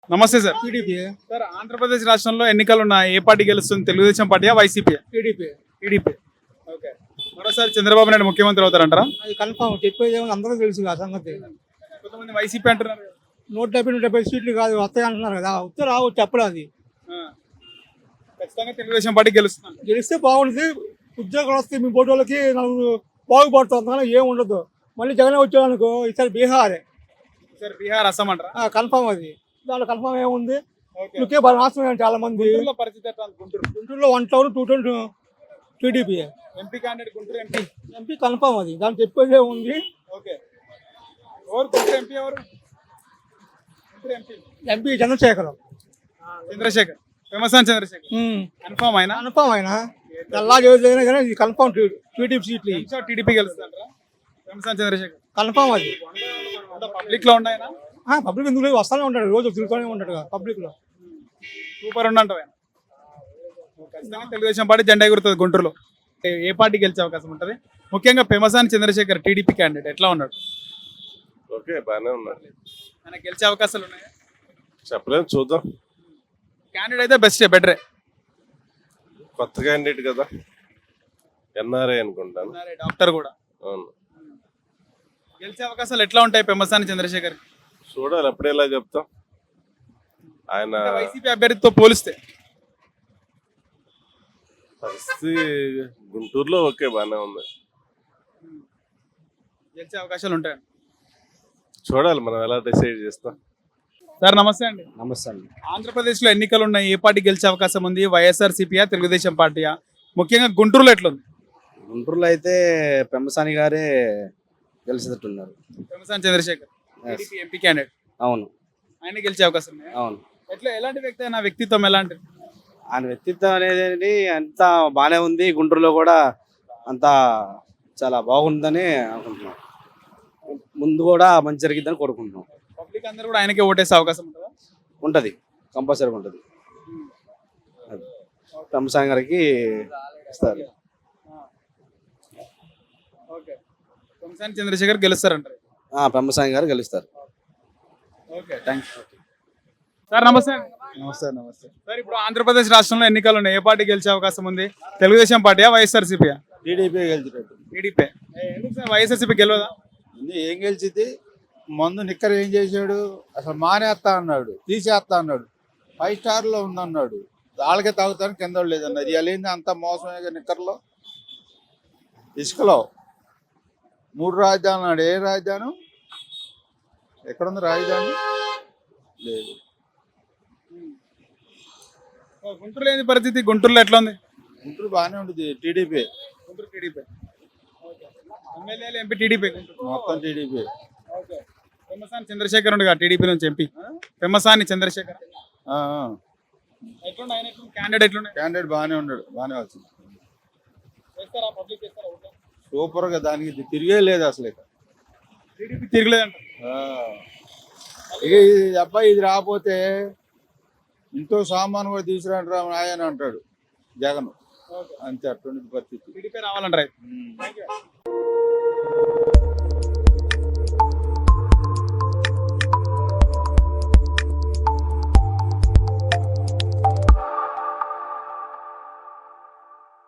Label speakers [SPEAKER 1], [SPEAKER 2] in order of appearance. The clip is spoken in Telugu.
[SPEAKER 1] నమస్తే సార్.
[SPEAKER 2] టీడీపీ
[SPEAKER 1] సార్, ఆంధ్రప్రదేశ్ రాష్ట్రంలో ఎన్నికలు ఉన్నాయి. ఏ పార్టీ గెలుస్తుంది? తెలుగుదేశం పార్టీయా, వైసీపీ?
[SPEAKER 2] TDP
[SPEAKER 1] TDP. ఓకే. మరోసారి చంద్రబాబు నాయుడు ముఖ్యమంత్రి అవుతారంటారా?
[SPEAKER 2] అది కన్ఫామ్ చెప్పేది ఏమో అందరూ తెలుసు ఆ సంగతి.
[SPEAKER 1] కొంతమంది వైసీపీ అంటున్నారు కదా.
[SPEAKER 2] 170 సీట్లు కాదు వస్తాయి అంటున్నారు కదా, వస్తే రావచ్చు చెప్పలేదు. అది
[SPEAKER 1] ఆ. ఖచ్చితంగా తెలుగుదేశం పార్టీ గెలుస్తుంది.
[SPEAKER 2] గెలిస్తే బాగుంటుంది, ఉద్యోగాలు వస్తాయి, మీ బోర్డు వాళ్ళకి నలుగురు బాగుపడుతుంది, అంతకన్నా ఏం ఉండదు. మళ్ళీ జగన్ వచ్చాడనుకో ఈసారి బీహారే
[SPEAKER 1] సార్, బీహార్, అస్సాం అంటారా?
[SPEAKER 2] కన్ఫామ్. అది దాంట్లో కన్ఫామ్ ఏముంది,
[SPEAKER 1] ఓకే.
[SPEAKER 2] ఇకే బాగా నాశనం అయ్యారు చాలా మంది.
[SPEAKER 1] గుంటూరులో పరిస్థితి ఎట్లా ఉంది? గుంటూరు
[SPEAKER 2] గుంటూరులో 1 town 2 town TDP.
[SPEAKER 1] MP candidate Guntur MP.
[SPEAKER 2] MP confirm. అది దాంట్లో చెప్పేది ఏముంది.
[SPEAKER 1] ఓకే. ఎవరు గుంటూరు ఎంపీ? ఎవరు Guntur MP?
[SPEAKER 2] MP Chandrasekharam.
[SPEAKER 1] Chandrasekhar. Famous Chandrasekhar. Confirm అయినా?
[SPEAKER 2] కన్ఫామ్ అయినా ఎలా చేయలేదు కానీ ఇది కన్ఫామ్ టీడీపీ సీట్లు
[SPEAKER 1] టీడీపీ గెలుస్తుంటారా? Famous Chandrasekhar
[SPEAKER 2] confirm. అది
[SPEAKER 1] పబ్లిక్ లో ఉన్నాయన?
[SPEAKER 2] పబ్లిక్ ఎందుకు లేదు, వస్తానే ఉంటాడు, రోజు తిరుగుతూనే ఉంటాడు పబ్లిక్ లో.
[SPEAKER 1] సూపర్ ఉండంటావు ఆయన. ఖచ్చితంగా తెలుగుదేశం పార్టీ జెండా ఎగురుతుంది గుంటూరులో. ఏ పార్టీ గెలిచే అవకాశం ఉంటుంది? ముఖ్యంగా పెమసాని చంద్రశేఖర్ టీడీపీ క్యాండిడేట్ ఎట్లా ఉన్నాడు?
[SPEAKER 3] ఓకే, బాగానే ఉన్నాడు.
[SPEAKER 1] ఆయన గెలిచే అవకాశాలు ఉన్నాయా?
[SPEAKER 3] చెప్పలేము, చూద్దాం.
[SPEAKER 1] క్యాండిడేట్ అయితే బెస్టే, బెటరే.
[SPEAKER 3] కొత్త క్యాండిడేట్ కదా, ఎన్ఆర్ఐ అనుకుంటాను.
[SPEAKER 1] డాక్టర్ కూడా.
[SPEAKER 3] అవును,
[SPEAKER 1] గెలిచే అవకాశాలు ఎట్లా ఉంటాయి పెమసాని చంద్రశేఖర్?
[SPEAKER 3] చూడాలి, అప్పుడే ఎలా చెప్తాం. ఆయన
[SPEAKER 1] వైసీపీ అభ్యర్థితో పోలిస్తే
[SPEAKER 3] పరిస్థితి గుంటూరులో ఓకే, బాగానే ఉంది.
[SPEAKER 1] గెలిచే అవకాశాలు ఉంటాయి.
[SPEAKER 3] చూడాలి, మనం ఎలా డిసైడ్ చేస్తాం.
[SPEAKER 1] సార్ నమస్తే అండి.
[SPEAKER 2] నమస్తే అండి.
[SPEAKER 1] ఆంధ్రప్రదేశ్లో ఎన్నికలు ఉన్నాయి. ఏ పార్టీ గెలిచే అవకాశం ఉంది? వైఎస్ఆర్సీపీయా, తెలుగుదేశం పార్టీయా? ముఖ్యంగా గుంటూరులో ఎట్లుంది?
[SPEAKER 4] గుంటూరులో అయితే పెమ్మసాని గారే గెలిచేటట్టున్నారు.
[SPEAKER 1] Pemmasani Chandrasekhar TDP MP candidate.
[SPEAKER 4] అవును,
[SPEAKER 1] ఆయన గెలిచే అవకాశం ఉన్నాయా?
[SPEAKER 4] అవును.
[SPEAKER 1] ఎట్లా, ఎలాంటి వ్యక్తి అయినా వ్యక్తిత్వం ఎలాంటిది?
[SPEAKER 4] ఆయన వ్యక్తిత్వం అనేది అంతా బాగానే ఉంది. గుంటూరులో కూడా అంతా చాలా బాగుందని అనుకుంటున్నాం. ముందు కూడా మంచి జరిగిద్దని కోరుకుంటున్నాం.
[SPEAKER 1] పబ్లిక్ అందరూ కూడా ఆయనకే ఓటేసే అవకాశం ఉంటుందా?
[SPEAKER 4] ఉంటుంది, కంపల్సరీగా ఉంటుంది. పెమ్మసాని గారికి ఇస్తారు.
[SPEAKER 1] ఓకే. పెమసాని చంద్రశేఖర్ గెలుస్తారంటారు.
[SPEAKER 4] పెమ్మసాని గారు గెలుస్తారు.
[SPEAKER 1] Okay, thank you. సార్ నమస్తే అండి.
[SPEAKER 2] నమస్తే. నమస్తే.
[SPEAKER 1] సార్, ఇప్పుడు ఆంధ్రప్రదేశ్ రాష్ట్రంలో ఎన్నికలు ఉన్నాయి. ఏ పార్టీ గెలిచే అవకాశం ఉంది? తెలుగుదేశం పార్టీయా, వైఎస్ఆర్సీపీయా?
[SPEAKER 2] టీడీపీ గెలిచేటట్టు.
[SPEAKER 1] టీడీపీ. ఎందుకు సార్ వైఎస్ఆర్సీపీ గెలవదా?
[SPEAKER 2] ఏం గెలిచింది? మందు నిక్కర్ ఏం చేశాడు? అసలు మానేస్తా అన్నాడు, తీసేస్తా అన్నాడు. 5 స్టార్లో ఉందన్నాడు, వాళ్ళకే తాగుతాను కింద లేదన్నారు. ఇవాళ ఏంది అంత మోసమే నిక్కర్లో. ఇసుకలో 3 రాజధానులు అన్నాడు. ఏ రాజధానం? ఎక్కడుంది రాజధాని? లేదు.
[SPEAKER 1] గుంటూరులో ఏంది పరిస్థితి? గుంటూరులో ఎట్లా ఉంది?
[SPEAKER 2] గుంటూరు బాగానే ఉంటుంది, టీడీపీ.
[SPEAKER 1] గుంటూరు టీడీపీ. ఎమ్మెల్యేలు ఎంపీ టీడీపీ.
[SPEAKER 2] మొత్తం టీడీపీ.
[SPEAKER 1] ఓకే. పెమ్మసాని చంద్రశేఖర్ ఉండగా టీడీపీ నుంచి ఎంపీ పెమ్మసాని చంద్రశేఖర్ ఎట్లుండే? ఆయన ఎట్లుంది? క్యాండిడేట్ ఎట్లుండే?
[SPEAKER 2] క్యాండిడేట్ బాగానే ఉన్నాడు, బాగానే వచ్చింది.
[SPEAKER 1] చేస్తారా? పబ్లిక్ చేస్తారా ఓట్లు?
[SPEAKER 2] సూపర్గా, దానికి తిరిగే లేదు అసలు. ఇక
[SPEAKER 1] టీడీపీ తిరగలేదంట.
[SPEAKER 2] ఇక ఈ అబ్బాయి ఇది రాకపోతే ఇంట్లో సామాను కూడా తీసుకురంటారా ఆయన అంటాడు జగన్. అంతే, అటువంటి పరిస్థితి.
[SPEAKER 1] టీడీపీ రావాలంటారు.
[SPEAKER 2] ఉమ్.